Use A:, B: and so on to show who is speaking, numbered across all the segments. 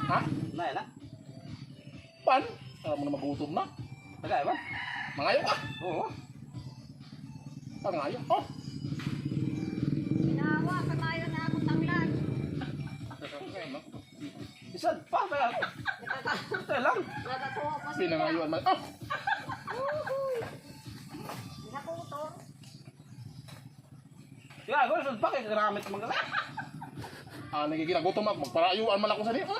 A: Ha?
B: Na.
A: Pan? Alam mo na magutom na.
B: Tagay ba?
A: Mangayo ka.
B: Oo.
A: Pangayo. Oh.
C: Ginawa, katayo na akong tanglan.
B: Isad pa. Ito lang.
C: Nagatuwa pa siya.
A: Pinangayuan man. Oh.
C: Nakutor.
B: Gago, isad pa. Kaya karamit mga gala.
A: Nagiginagutom ako. Magparayuan man ako sa niya.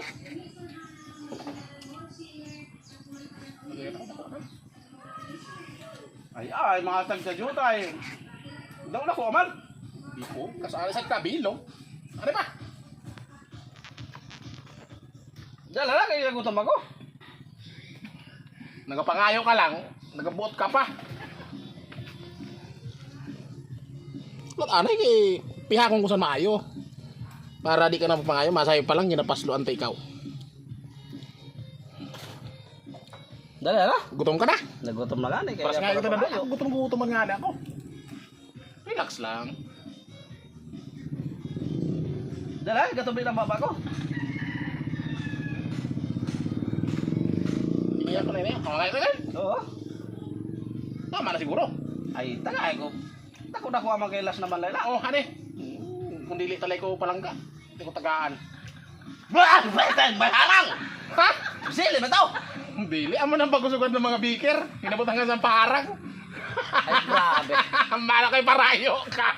B: Ay, mga tagsadyutay. Daw na ko, man.
A: Di po. Kasali sa kabilong. Ano ba?
B: Dala lang, kaya nagutom ako.
A: Nagapangayo ka lang. Nagabuot ka pa. Ba't anay kay pihakong ko sa maayo. Para di ka na mapangayo. Masayo pa lang. Ginapasluan ta ikaw.
B: Dala na.
A: Gutom ka na.
B: Nagutom na gani.
A: Paras nga ito na doon. Gutom nga na ako. Relax lang.
B: Dala, gatubi na baba ko.
A: Tingnan ko na yun. Okay ka lang.
B: Oo.
A: Tama na siguro.
B: Ay, tagay ko. Tako na ko ang magkailas naman layla.
A: Oh, hane. Kung dili talay ko palangga. Hindi ko tagaan.
B: Baharang!
A: Ha?
B: Sili ba tao?
A: Dili. Amo nang pagkusugan ng mga beaker. Hinabot hanggang sa parang.
B: Ay, grabe.
A: Mala kay parayo ka.